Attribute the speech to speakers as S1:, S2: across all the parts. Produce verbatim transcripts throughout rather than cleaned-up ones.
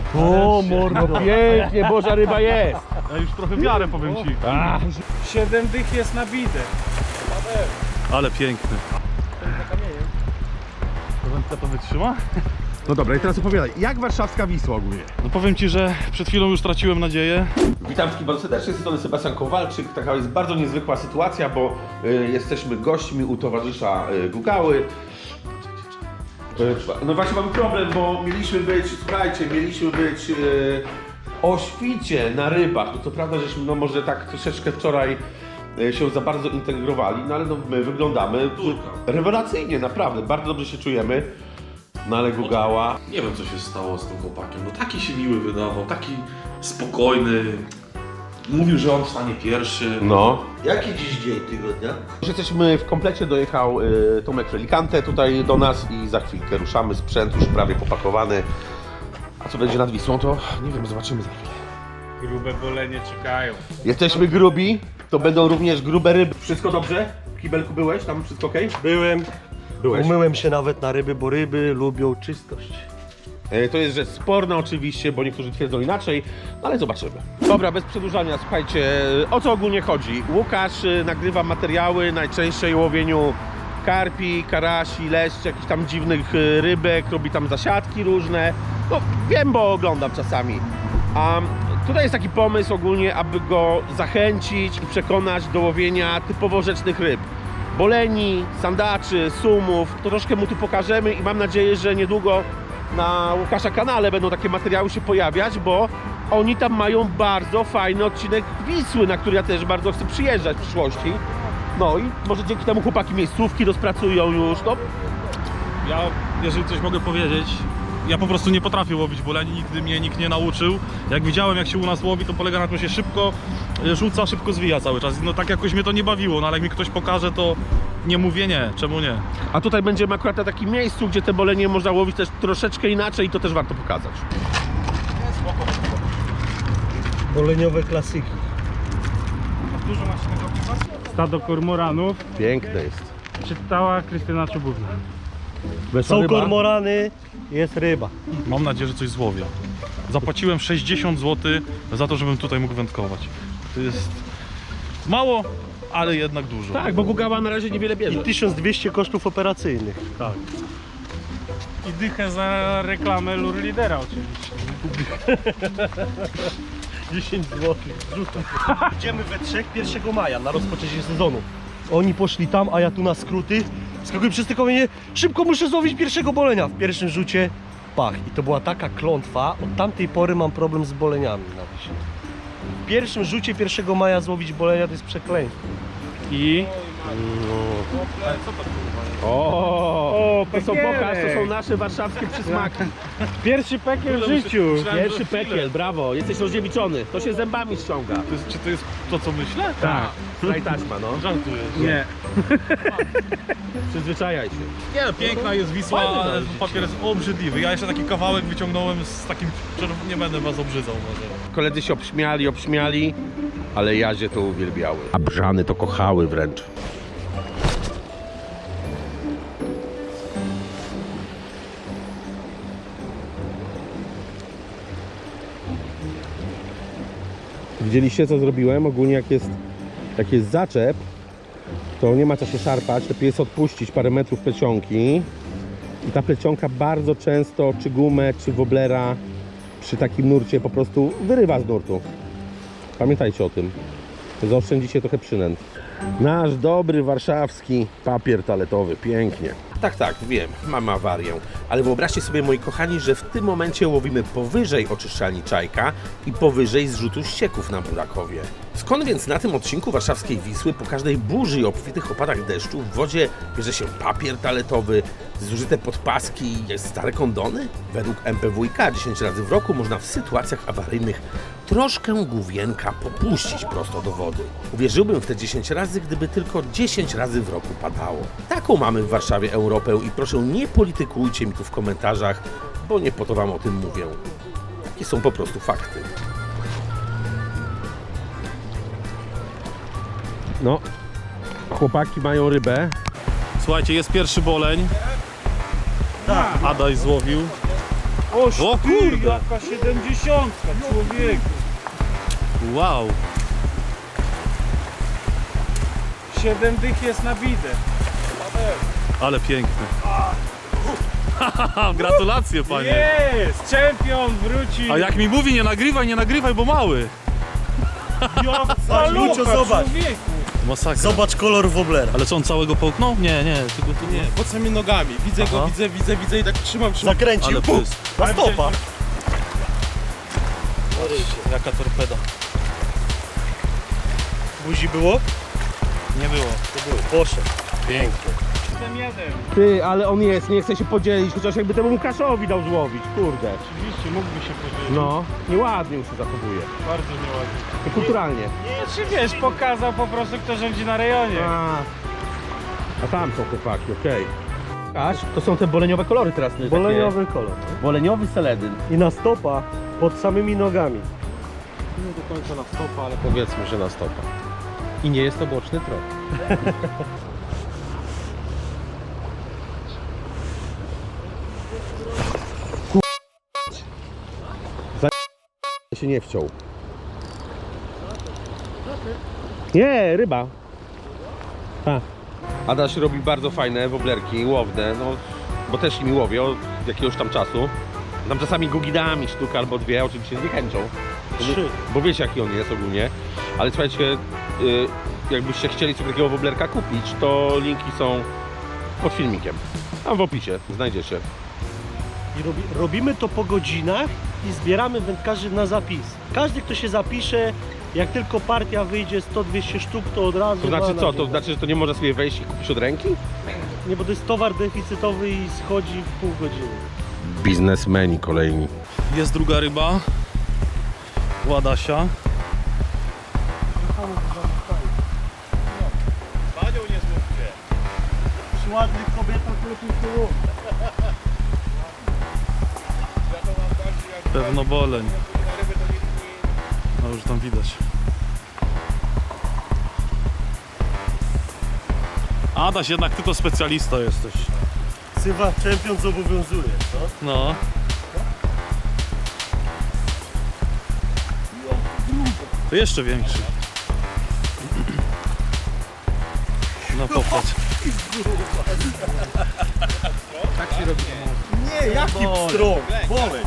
S1: O, mordo, pięknie, boża ryba jest.
S2: Ja już trochę wiarę, powiem ci.
S1: Ach,
S3: Siedem dych jest nabite.
S2: Ale piękny. To wędka to wytrzyma?
S1: no dobra, i teraz opowiadaj, jak warszawska Wisła ogólnie?
S2: No powiem ci, że przed chwilą już traciłem nadzieję.
S4: Witam wszystkich bardzo serdecznie, z tej strony Sebastian Kowalczyk. Taka jest bardzo niezwykła sytuacja, bo y, jesteśmy gośćmi u towarzysza y, Gugały. Y, no właśnie mamy problem, bo mieliśmy być, słuchajcie, mieliśmy być y, o świcie na rybach. No to prawda, żeśmy no może tak troszeczkę wczoraj y, się za bardzo integrowali, no ale no, my wyglądamy rewelacyjnie, naprawdę, bardzo dobrze się czujemy. No ale Gugała...
S5: Nie wiem, co się stało z tym chłopakiem. No taki się miły wydawał, taki spokojny. Mówił, że on wstanie pierwszy.
S4: No.
S6: Jaki dziś dzień tygodnia?
S4: Już jesteśmy w komplecie, dojechał y, Tomek Felikante tutaj do nas i za chwilkę ruszamy, sprzęt już prawie popakowany. A co będzie nad Wisłą, to nie wiem, zobaczymy za chwilę.
S3: Grube bolenie czekają.
S4: Jesteśmy grubi, to będą również grube ryby. Wszystko dobrze? W kibelku byłeś? Tam wszystko ok?
S6: Byłem.
S4: Byłeś.
S6: Umyłem się nawet na ryby, bo ryby lubią czystość.
S4: E, To jest rzecz sporna oczywiście, bo niektórzy twierdzą inaczej, no ale zobaczymy. Dobra, bez przedłużania, słuchajcie, o co ogólnie chodzi? Łukasz y, nagrywa materiały najczęściej o łowieniu karpi, karasi, leszcz, jakichś tam dziwnych y, rybek, robi tam zasiadki różne. No wiem, bo oglądam czasami. A tutaj jest taki pomysł ogólnie, aby go zachęcić i przekonać do łowienia typowo rzecznych ryb. Boleni, sandaczy, sumów, to troszkę mu tu pokażemy i mam nadzieję, że niedługo na Łukasza kanale będą takie materiały się pojawiać, bo oni tam mają bardzo fajny odcinek Wisły, na który ja też bardzo chcę przyjeżdżać w przyszłości. No i może dzięki temu chłopaki miejscówki rozpracują już, no.
S2: Ja, jeżeli coś mogę powiedzieć, ja po prostu nie potrafię łowić boleni, nigdy mnie nikt nie nauczył. Jak widziałem, jak się u nas łowi, to polega na tym, że się szybko rzuca, szybko zwija cały czas. No tak jakoś mnie to nie bawiło, no ale jak mi ktoś pokaże, to nie mówię nie, czemu nie?
S4: A tutaj będziemy akurat na takim miejscu, gdzie te bolenie można łowić też troszeczkę inaczej i to też warto pokazać.
S6: Boleniowe klasyki.
S3: Dużo masz tego piwa? Stado kormoranów.
S4: Piękne jest.
S3: Czytała Krystyna Czubówna.
S6: Są kormorany, jest ryba.
S2: Mam nadzieję, że coś złowię. Zapłaciłem sześćdziesiąt złotych za to, żebym tutaj mógł wędkować. To jest mało, ale jednak dużo.
S4: Tak, bo Gugała na razie niewiele bierze.
S6: I tysiąc dwieście kosztów operacyjnych.
S2: Tak.
S3: I dychę za reklamę Lure Lidera oczywiście.
S6: dziesięć złotych. Rzucam. Idziemy we trzech pierwszego maja na rozpoczęcie sezonu. Oni poszli tam, a ja tu na skróty. Skakuję przez te kamienie. Szybko muszę złowić pierwszego bolenia. W pierwszym rzucie pach. I to była taka klątwa. Od tamtej pory mam problem z boleniami na Wiśle. W pierwszym rzucie pierwszego maja złowić bolenia to jest przekleństwo.
S3: I...
S4: O, to są
S3: pekierek.
S4: pokaż, to są nasze warszawskie przysmaki.
S3: Pierwszy pekiel w życiu.
S4: Pierwszy pekiel, brawo, jesteś rozdziewiczony. To się zębami ściąga.
S2: To jest, czy to jest to, co myślę?
S4: Tak, daj taśma, no.
S2: Żartujesz.
S3: Nie.
S4: Przyzwyczajaj się.
S2: Nie, no, piękna jest Wisła, ale papier jest obrzydliwy. Ja jeszcze taki kawałek wyciągnąłem z takim czerw- nie będę was obrzydzał może.
S4: Koledzy się obśmiali, obśmiali, ale jazie to uwielbiały. A brzany to kochały wręcz. Widzieliście, co zrobiłem? Ogólnie jak jest, jak jest zaczep, to nie ma co się szarpać, lepiej jest odpuścić parę metrów plecionki i ta plecionka bardzo często, czy gumę, czy woblera przy takim nurcie po prostu wyrywa z nurtu. Pamiętajcie o tym. Zaoszczędzicie trochę przynęt. Nasz dobry warszawski papier toaletowy, pięknie. Tak, tak, wiem, mam awarię, ale wyobraźcie sobie, moi kochani, że w tym momencie łowimy powyżej oczyszczalni Czajka i powyżej zrzutu ścieków na Burakowie. Skąd więc na tym odcinku warszawskiej Wisły po każdej burzy i obfitych opadach deszczu w wodzie bierze się papier toaletowy, zużyte podpaski i stare kondony? Według M P W iK dziesięć razy w roku można w sytuacjach awaryjnych troszkę główienka popuścić prosto do wody. Uwierzyłbym w te dziesięć razy, gdyby tylko dziesięć razy w roku padało. Taką mamy w Warszawie Europę i proszę nie politykujcie mi tu w komentarzach, bo nie po to wam o tym mówię. Takie są po prostu fakty. No, chłopaki mają rybę.
S2: Słuchajcie, jest pierwszy boleń. Tak. Adaś złowił.
S3: Oż
S2: O
S3: ty,
S2: kurde.
S3: jaka siedemdziesiątka, człowieku.
S2: Wow.
S3: Siedem dych jest na bidę.
S2: Ale piękny. Gratulacje, panie.
S3: Jest! Czempion wróci.
S2: A jak mi mówi, nie nagrywaj, nie nagrywaj, bo mały.
S3: Jaka
S6: Lucio,
S3: luka,
S6: zobacz.
S3: człowieku.
S2: Masakra.
S6: Zobacz kolor woblera.
S2: Ale co, on całego połknął? Nie, nie, tylko tu nie.
S1: Pod samymi nogami. Widzę
S2: Aha.
S1: go, widzę, widzę, widzę i tak trzymam, trzymam.
S6: Zakręcił.
S2: Ale
S6: Puf,
S2: pyst.
S6: na stopa.
S2: Jaka torpeda.
S6: Buzi było?
S2: Nie było.
S6: Poszedł.
S2: Pięknie.
S3: Jestem jeden.
S4: Ty, ale on jest, nie chce się podzielić, chociaż jakby temu Łukaszowi dał złowić, kurde.
S3: Oczywiście mógłby się podzielić.
S4: No, nieładnie już się zachowuje.
S3: Bardzo nieładnie.
S4: Kulturalnie.
S3: Nie, czy wiesz, pokazał po prostu, kto rządzi na rejonie.
S4: A, a tam są chłopaki, okej. Aż, to są te boleniowe kolory teraz. te
S6: Boleniowy kolor.
S4: Takie, boleniowy seledyn.
S6: I na stopa pod samymi nogami.
S4: Nie do końca na stopa, ale powiedzmy, że na stopa. I nie jest to boczny trop. Za się nie wciął. Nie, ryba. A. Adaś robi bardzo fajne woblerki, łowne, no, bo też nimi łowię od jakiegoś tam czasu. Tam czasami gugidami sztuka albo dwie, oczywiście z niechęcią.
S6: Trzy.
S4: Bo wiecie jaki on jest ogólnie. Ale słuchajcie, y, jakbyście chcieli sobie takiego woblerka kupić, to linki są pod filmikiem. Tam w opisie znajdziecie.
S6: I robi, robimy to po godzinach i zbieramy wędkarzy na zapis. Każdy, kto się zapisze, jak tylko partia wyjdzie sto dwieście sztuk, to od razu...
S4: To znaczy
S6: ma
S4: co?
S6: na
S4: To
S6: dzień.
S4: znaczy, że to nie można sobie wejść i kupić od ręki?
S6: Nie, bo to jest towar deficytowy i schodzi w pół godziny.
S4: Biznesmeni kolejni.
S2: Jest druga ryba. Ładasia.
S6: Panią nie zmówcie. Przy ładnych kobietach lepiej było.
S2: Pewno boleń. No już tam widać. Adaś, jednak ty to specjalista jesteś.
S6: Sywa czempion zobowiązuje, co?
S2: No. To jeszcze większy. No popatrz.
S6: Nie, jaki pstrąg, bolek.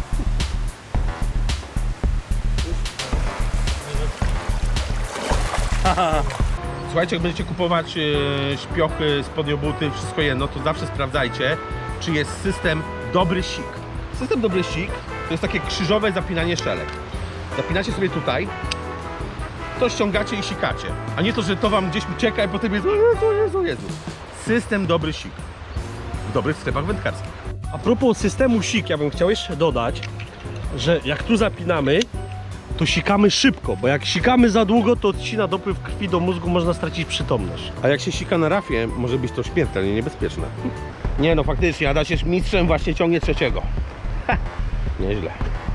S4: Słuchajcie, jak będziecie kupować e, śpiochy, spodniobuty, wszystko jedno, to zawsze sprawdzajcie, czy jest system dobry sik. System dobry sik to jest takie krzyżowe zapinanie szelek. Zapinacie sobie tutaj, to ściągacie i sikacie. A nie to, że to wam gdzieś ucieka i potem jest o Jezu, Jezu, Jezu. System dobry sik. W dobrych sklepach wędkarskich.
S6: A propos systemu sik, ja bym chciał jeszcze dodać, że jak tu zapinamy, to sikamy szybko, bo jak sikamy za długo, to odcina dopływ krwi do mózgu, można stracić przytomność.
S4: A jak się sika na rafie, może być to śmiertelnie niebezpieczne. Nie no, faktycznie, Adaś jest mistrzem, właśnie ciągnie trzeciego. Ha, nieźle.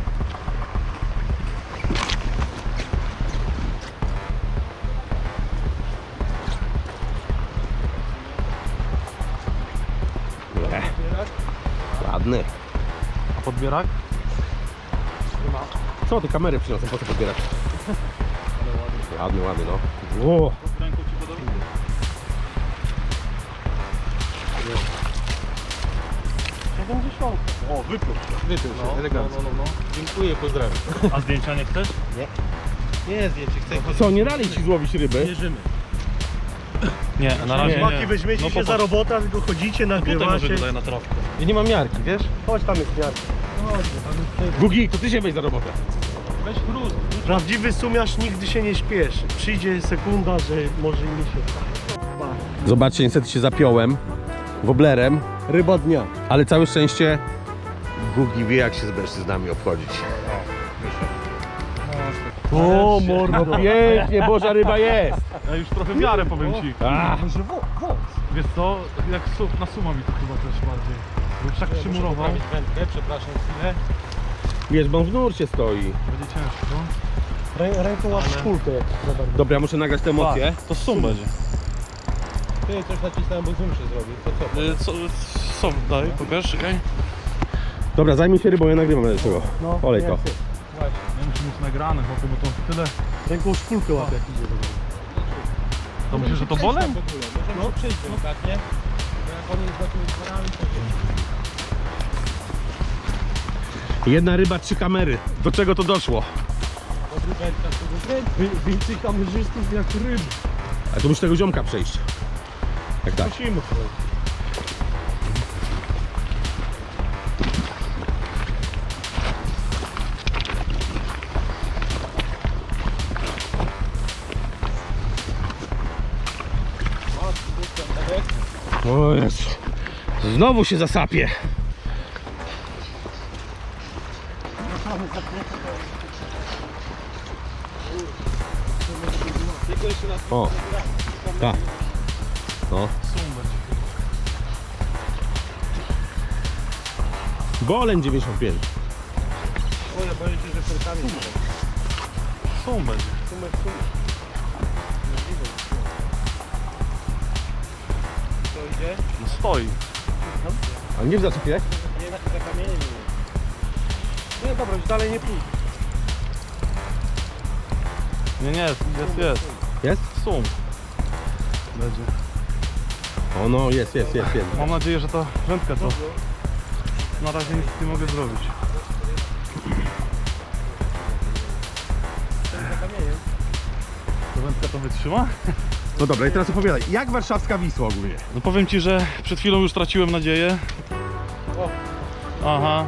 S4: Le. Ładny.
S2: A podbierak?
S4: Co ty kamery przyniosą, po co podbierać? Ładny, ładny, no. O.
S6: siedemdziesiąt. O, wypluł.
S4: Wypił się, elegancko.
S1: Dziękuję, pozdrawiam.
S2: A zdjęcia nie chcesz?
S1: Nie, zdjęcie, chcę.
S4: Co, nie dali ci złowić ryby?
S6: Bierzemy.
S2: Nie, na razie
S6: Chłopaki,
S2: nie.
S6: weźmiecie
S2: No
S6: się
S2: popatrz.
S6: za robotę, tylko chodzicie,
S2: Tutaj może
S6: nagrywacie.
S2: tutaj na trawkę.
S4: Ja nie mam miarki, wiesz?
S6: Chodź, tam jest miarka.
S4: Gugi, to ty się weź za robotę.
S2: Weź chrust.
S6: Prawdziwy sumiarz nigdy się nie śpieszy. Przyjdzie sekunda, że może i mi się...
S4: Zobaczcie, niestety się zapiąłem woblerem,
S6: Ryba dnia.
S4: ale całe szczęście Gugi wie, jak się z mężczyznami obchodzić.
S6: O, mordo.
S4: Pięknie, boża ryba jest!
S2: Ja już trochę wiarę powiem ci.
S4: A,
S2: Wiesz co, jak su na suma mi to chyba też bardziej. Bo już tak przymurował.
S1: wędkę, przepraszam chwilę.
S4: wiesz, bo on w nurcie stoi.
S2: Będzie ciężko.
S6: Rę, ręką łap szpulkę. jak za bardzo.
S4: Dobra, ja muszę nagrać te emocje.
S2: To sum będzie.
S1: Ty coś nacisnąłem, bo zoom się zrobił. To co?
S2: Y, Co, co daj, pokaż, czekaj.
S4: Dobra, zajmij się rybą, ja nagrywam do tego.
S6: No,
S4: Olej to.
S6: jak chcesz.
S2: Nie muszę mieć nagrane, chłopie, bo to tyle.
S6: Ręką szpulkę łapie jak idzie.
S2: To myślisz, że to bolem?
S1: W ogóle, możemy no. przejść delikatnie. Bo jak on jest za tymi dworami, to wie.
S4: Jedna ryba, trzy kamery. Do czego to doszło?
S1: Dobry wędkarz, to wykręci.
S6: Wy- Więcej kamerzystów jak ryb.
S4: A tu musi tego ziomka przejść. Jak tak?
S6: Musimy.
S4: O Jezu. Znowu się zasapie. O, tak. No. Boleń dziewięćdziesiąt pięć.
S1: Boję, boję się, że serkami nie będzie.
S2: Są będzie.
S1: Sumek, sumek. Co idzie?
S2: No stoi.
S4: A nie w zasypie?
S1: Nie, za kamieniem nie jest.
S6: Nie, dobra, już dalej nie pójdę.
S2: Nie, nie, jest, jest, jest.
S4: Jest?
S2: Są. Będzie.
S4: O no, jest, jest, jest, jest.
S2: Mam nadzieję, że ta wędka to... Na razie nic nie mogę zrobić. Ta wędka to wytrzyma?
S4: No dobra, i teraz opowiadaj. Jak warszawska Wisła ogólnie?
S2: No powiem ci, że przed chwilą już traciłem nadzieję. Aha.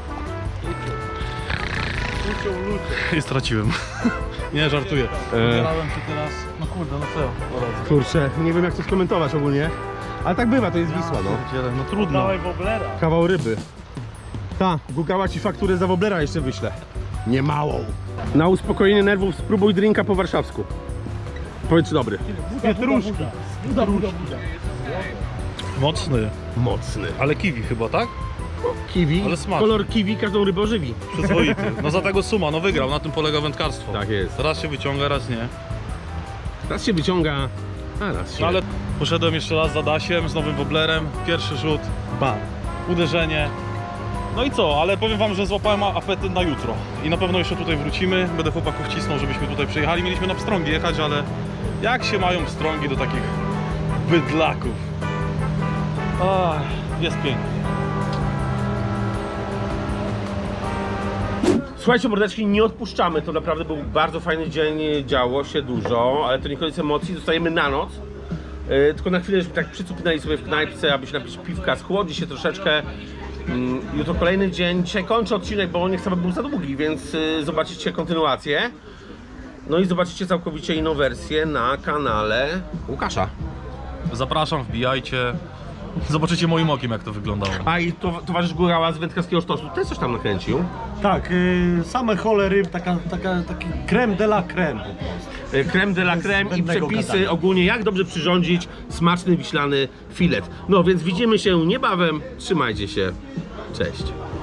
S2: I straciłem. Nie, żartuję. Wybierałem się teraz. No kurde, no co?
S4: Kurczę, nie wiem jak to skomentować ogólnie. Ale tak bywa, to jest Wisła, no.
S2: Pierdziele, no trudno.
S6: Dawaj woblera.
S4: Kawał ryby. Ta, Gugała ci fakturę za woblera jeszcze wyślę. Nie małą. Na uspokojenie nerwów spróbuj drinka po warszawsku. Powiedz dobry.
S6: Pietruszka. Buda, buda, buda.
S2: Mocny.
S4: Mocny.
S2: Ale kiwi chyba, tak?
S4: Kiwi,
S2: Ale smaczny.
S4: kolor kiwi każdą rybę ożywi.
S2: Przyzwoity. No za tego suma, no wygrał, na tym polega wędkarstwo.
S4: Tak jest.
S2: Raz się wyciąga, raz nie.
S4: Raz się wyciąga, a raz się...
S2: No ale poszedłem jeszcze raz za Dasiem z nowym woblerem. Pierwszy rzut,
S4: Ba.
S2: uderzenie. No i co, ale powiem wam, że złapałem apetyt na jutro. I na pewno jeszcze tutaj wrócimy. Będę chłopaków cisnął, żebyśmy tutaj przyjechali. Mieliśmy na pstrągi jechać, ale jak się mają pstrągi do takich bydlaków? Ach, jest pięknie.
S4: Słuchajcie mordeczki, nie odpuszczamy, to naprawdę był bardzo fajny dzień, działo się dużo, ale to nie koniec emocji, zostajemy na noc. Yy, tylko na chwilę, żeby tak przycupnęli sobie w knajpce, aby się napić piwka, schłodzi się troszeczkę. Yy, jutro kolejny dzień, dzisiaj kończę odcinek, bo nie chcę, aby był za długi, więc yy, zobaczycie kontynuację. No i zobaczycie całkowicie inną wersję na kanale Łukasza.
S2: Zapraszam, wbijajcie. Zobaczycie moim okiem, jak to wyglądało.
S4: A i to, towarzysz Górała z Wędkarskiego Sztosu też coś tam nakręcił.
S6: Tak, y, same hole ryb, taka, taka, taki creme de la creme po prostu.
S4: Yy, Creme de la creme i
S6: zbędnego
S4: przepisy
S6: gadania.
S4: ogólnie, jak dobrze przyrządzić smaczny wiślany filet. No więc widzimy się niebawem, trzymajcie się, cześć.